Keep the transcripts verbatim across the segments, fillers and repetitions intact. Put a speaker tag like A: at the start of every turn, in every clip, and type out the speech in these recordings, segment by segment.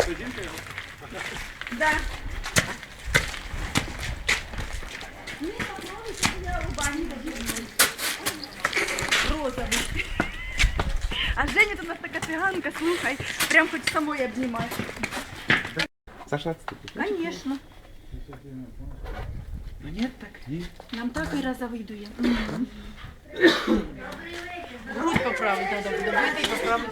A: Да. Мне понравилось, что я у бани добилась. Розовый. А Женя тут у нас така циганка, слухай, прям хоч самой обнімати.
B: Саша, отступи.
A: Конечно.
B: Нет, так нет.
A: Нам так і розовий дує.
C: Грудь поправить треба буде, вийти і поправити.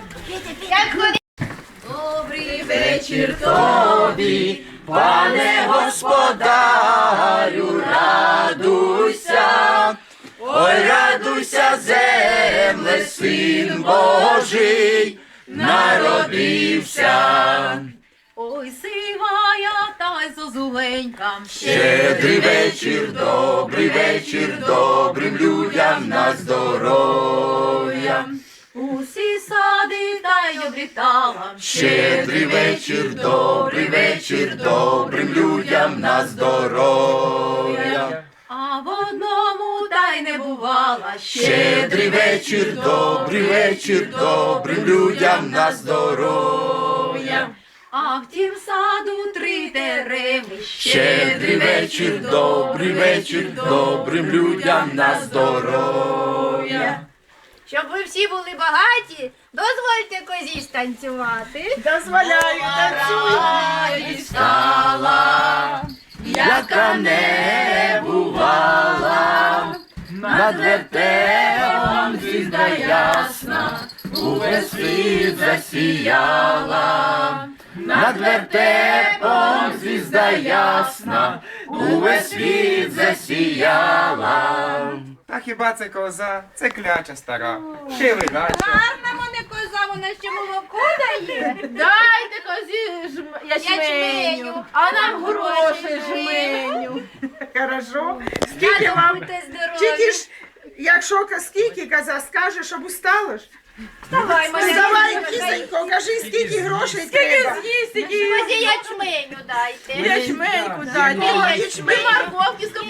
A: Добрий
D: Вечір тобі, пане господарю, радуйся, ой, радуйся, земле, син Божий народився.
C: Ой, сивая та й зозуленька.
D: Щедрий вечір, добрий вечір, добрим людям на здоров'я.
C: Усі сади та й обрітала.
D: Щедрий вечір, добрий вечір, добрим людям на здоров'я.
C: А в одному та й не бувала.
D: Щедрий вечір, добрий вечір, добрим людям на здоров'я.
C: А в тім саду три дереви.
D: Щедрий вечір, добрий вечір, добрим людям на здоров'я.
E: Щоб ви всі були багаті, дозвольте козі станцювати.
A: Дозволяю,
D: Радість стала, яка не бувала, над вертепом звізда ясна, увесь світ засіяла. Над вертепом звізда ясна, увесь світ засіяла.
B: А хіба це коза? Це кляча стара. Ще видача.
E: Гарна мене коза, вона ще молоко дає.
C: Дайте козі жм... ячменю,
E: Ячменю.
C: а нам гроші
E: Гроші
C: жменю.
A: Хорошо. Скільки
E: Та
A: вам?
E: будьте здорові.
A: Тільки ж, якщо скільки коза скаже, щоб устала ж.
E: Давай, мене
A: Давай, кисенько, кажи, скільки грошей треба.
E: Козі ячменю дайте.
A: Ячменьку
E: Ні,
A: дайте.
E: ячменю.
C: Морковки з